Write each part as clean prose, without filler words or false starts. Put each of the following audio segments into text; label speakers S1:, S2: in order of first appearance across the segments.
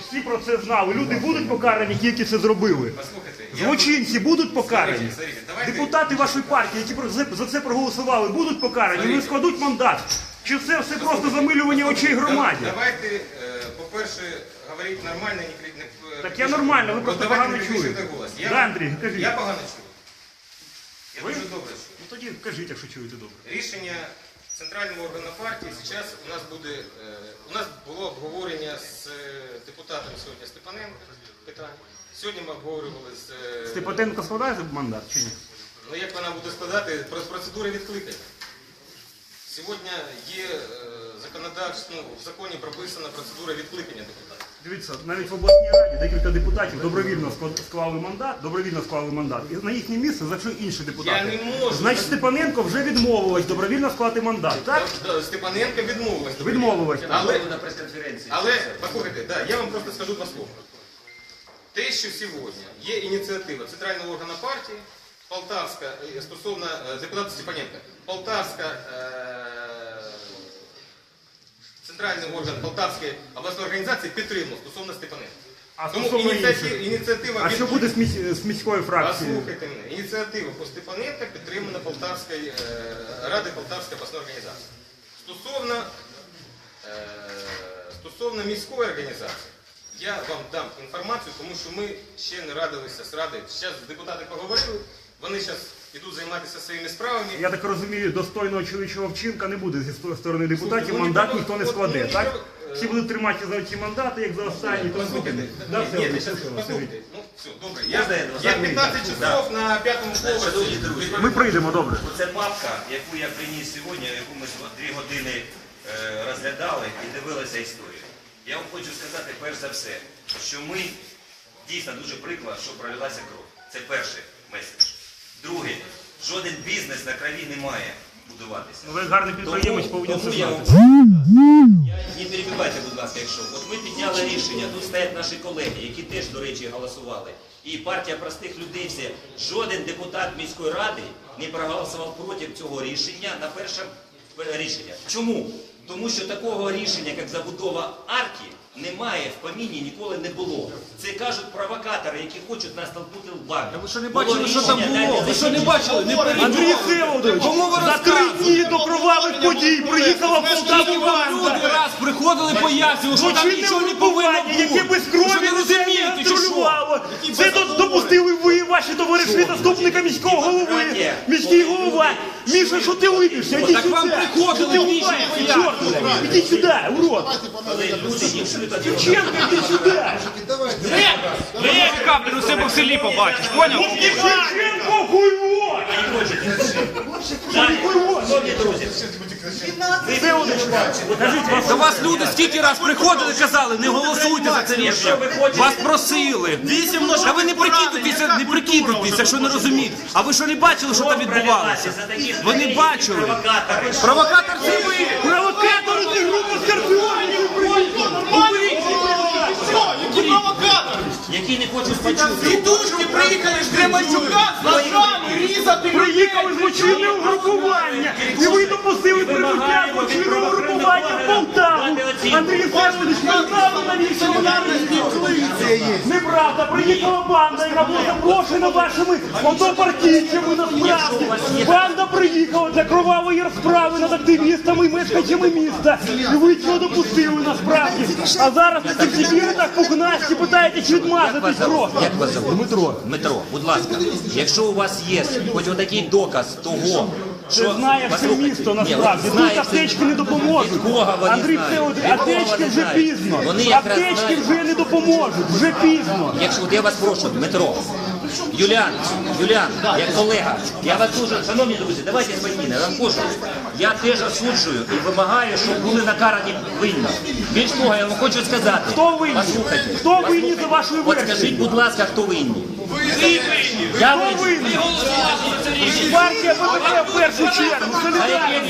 S1: всі про це знали. Люди будуть покарані, ті, які це зробили. Злочинці будуть покарані. Депутати вашої партії, які за це проголосували, будуть покарані. Вони складуть мандат. Чи це все просто замилювання очей громаді?
S2: Давайте, по-перше, говорити нормально, не...
S1: Так я нормально, ви просто погано чуєте. Да, Андрій, кажіть.
S2: Я погано чую. Я дуже добре чую.
S1: Ну тоді кажіть, якщо чуєте добре.
S2: Рішення центрального органу партії зараз у нас було обговорення з депутатом сьогодні Степаненко питання. Сьогодні ми обговорювали з...
S1: Степаненко складає мандат чи ні?
S2: Ну як вона буде складати? Процедури відкликання. Сьогодні є в законі прописана процедура відкликання депутатів.
S1: Дивіться, навіть в обласній раді декілька депутатів добровільно склали мандат. І на їхнє місце зайшли інші депутати.
S2: Я не можу.
S1: Значить, Степаненко вже відмовилась добровільно склати мандат, так?
S2: Степаненко відмовилась.
S1: Відмовилась.
S2: Але, послухайте, я вам просто скажу два слова. Те, що сьогодні є ініціатива центрального органу партії, Полтавська, стосовно депутата Степаненка, Полтавська, центральний орган Полтавської обласної організації підтримав стосовно Степаненка. Тому ініціатива...
S1: А що буде з міської фракції?
S2: Послухайте мене, ініціатива по Степаненка підтримана Полтавської Ради Полтавської обласної організації. Стосовно міської організації, я вам дам інформацію, тому що ми ще не радилися з Радою. Зараз депутати поговорили, вони зараз йдуть займатися своїми справами.
S1: Я так розумію, достойного чоловічого вчинка не буде зі сторони депутатів, мандат ніхто не складе, так? Всі будуть тримати за ці мандати, як за останні.
S2: Послухайте, все, добре. Я 15 часов на 5-му поверсі.
S1: Ми прийдемо, добре.
S3: Це папка, яку я приніс сьогодні, яку ми 2 години розглядали і дивилися історію. Я вам хочу сказати, перш за все, що ми дійсно дуже приклад, що пролилася кров. Це перший меседж. Другий, жоден бізнес на крові не має будуватися.
S1: Ви гарний підприємець, повинні це знати.
S3: Не перебивайте, будь ласка, якщо. От ми підняли рішення, тут стоять наші колеги, які теж, до речі, голосували. І партія простих людей всі. Жоден депутат міської ради не проголосував проти цього рішення на перше рішення. Чому? Тому що такого рішення, як забудова арки, немає в поміні, ніколи не було. Це кажуть провокатори, які хочуть нас толкнути лбами.
S4: Ви що не бачили, що там було? Ви що не бачили? Не
S1: Андрій Всеволодович, за 3 дні до кровавих подій приїхала в Полтаву банда.
S4: Люди раз приходили, пояснювали, що там нічого не повинно бути.
S1: Яке без крові людей контролювало. Це допустили ви, ваші товариші, заступника міського голови. Міський голова. Міша, що ти липишся? Іди
S4: Так
S1: сюди.
S4: вам приходили рішення пояснювали.
S1: Іди сюди, урод.
S3: Коли люди не чують один
S1: Дівченко, іди сюди.
S4: Ви каплю у себе в селі побачиш, поняв?
S1: Дівченко, хуйво.
S3: Шановні друзі,
S4: До вас люди стільки раз приходили, казали, не голосуйте за це рішення. Вас просили. Та ви не прикидуйтеся, що не розумієте. А ви що не бачили, що там відбувалося? Ви не бачили. Провокатор це ви.
S1: Провокатори, ти група скорпіонів приїхали.
S4: Які провокатори?
S3: які не хочуть почути.
S4: Тітушки приїхали з Кременчука з ножами різати.
S1: Приїхали злочинне угрупування, і ви допустили прибуття злочинного угрупування в Полтаву. Андрій Всеволодович, ви знали, навіщо вона неправда. Приїхала банда, яка була запрошена вашими однопартійцями насправді. Банда приїхала для кровавої розправи над активістами і мешканцями міста. І ви цього допустили насправді. А зараз на цих сибірах пухнасті питаєте, чи відмазатись просто.
S3: Як вас зовут? Дмитро, будь ласка, якщо у вас є хоч отакий доказ того,
S1: Ти знаєш це місто насправді, тут аптечки не допоможуть. Андрій Всеволодович, аптечки вже пізно. Аптечки вже не допоможуть, вже пізно.
S3: Якщо от я вас прошу, Дмитро, Юліан, як колега, я вас дуже, шановні друзі, давайте спокійно, я вам кажу, я теж осуджую і вимагаю, щоб були накарані винні. Більш того, я вам хочу сказати,
S1: Хто винні?
S3: послухайте,
S1: Хто винні за вашою
S3: от скажіть,
S1: версією?
S3: будь ласка, хто винні? Я
S1: Хто
S3: винен.
S1: винен? Партія БПП в першу чергу.
S3: А яке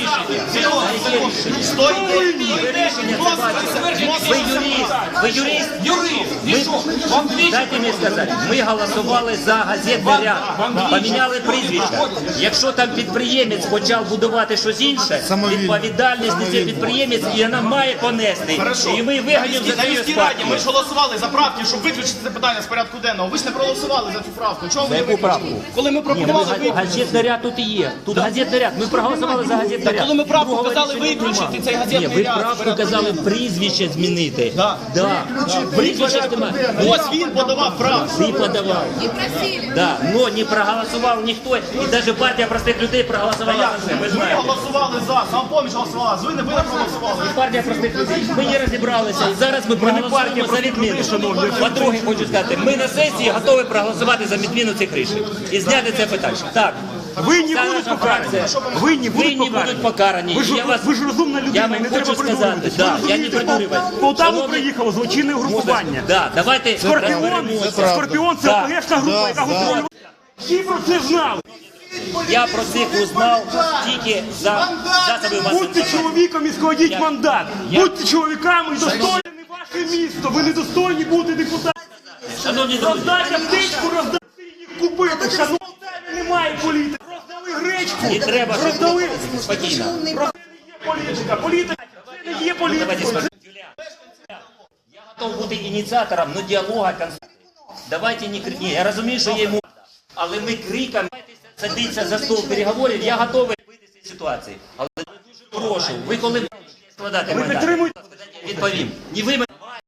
S3: рішення? Ви рішення це бачите. Ви юрист? Дайте мені сказати, ми голосували за газетний ряд, поміняли прізвища. Якщо там підприємець почав будувати щось інше, відповідальність несе підприємець, і вона має понести. І ми виганемо за
S5: На
S3: це
S5: міській
S3: з
S5: раді
S3: партії.
S5: ми ж голосували за правки, щоб виключити це питання з порядку денного. Ви ж не проголосували за цю правку. Чого ви не виключили? Коли ми пропонували виключити.
S3: Газетний ряд тут і є. Тут газетний ряд. Ми проголосували за газетний ряд.
S5: Коли ми правку
S3: Другого
S5: казали
S3: рішення
S5: виключити
S3: нема.
S5: цей
S3: Ні,
S5: газетний
S3: ви
S5: ряд.
S3: правку казали прізвище змінити. Да. Прізвище ж немає.
S5: Ось він подавав правку.
S3: Ти подавав.
S6: И просили.
S3: Да, но не проголосував ніхто, і навіть партія простих людей проголосувала за це. Ми
S5: Ми
S3: знаємо.
S5: голосували за, самопоміч голосувала, ви не проголосували.
S3: Партія простих людей. Ми не розібралися, і зараз ми проголосуємо за відміну. По-друге, хочу сказати, ми на сесії готові проголосувати за відміну цих рішень і зняти це питання. Так.
S1: Винні
S3: Ця
S1: будуть
S3: наша
S1: покарані.
S3: фракція.
S1: Винні
S3: Винні будуть покарані.
S1: Ви ж розумна людина,
S3: Я
S1: не
S3: вам
S1: треба
S3: хочу сказати,
S1: придурюватися.
S3: да,
S1: Ви
S3: я не
S1: розумієте,
S3: придурюваюсь.
S1: в Полтаву
S3: Шановні-
S1: приїхало злочинне групування.
S3: Да, давайте
S1: Скорпіон це
S3: Да.
S1: ОПГшна група, яка готує. Всі про це знали.
S3: Я про цих узнав тільки за засоби масової
S1: Будьте
S3: інформації.
S1: чоловіком і складіть мандат.
S3: Я-
S1: Будьте чоловіками і достойні ваше місто. Ви не достойні бути депутатами.
S3: Шановні друзі,
S1: Роздайте птичку, роздайте їх купити. Шановні, в Полтаві немає політики. Роздали гречку,
S3: не треба
S1: роздали.
S3: спокійно.
S1: Це не є політика. Політика це не є
S3: Давайте
S1: політика.
S3: скажем. Юля, я готов бути ініціатором, ну діалога, конструктивного. Давайте не крикні. Я розумію, що є йому, але ми криком садиться за стол переговорів, я готовий вийти з цієї ситуації. Але дуже прошу, ви коли будете складати мандат,
S1: підтримуєте?
S3: відповім. Не ви мене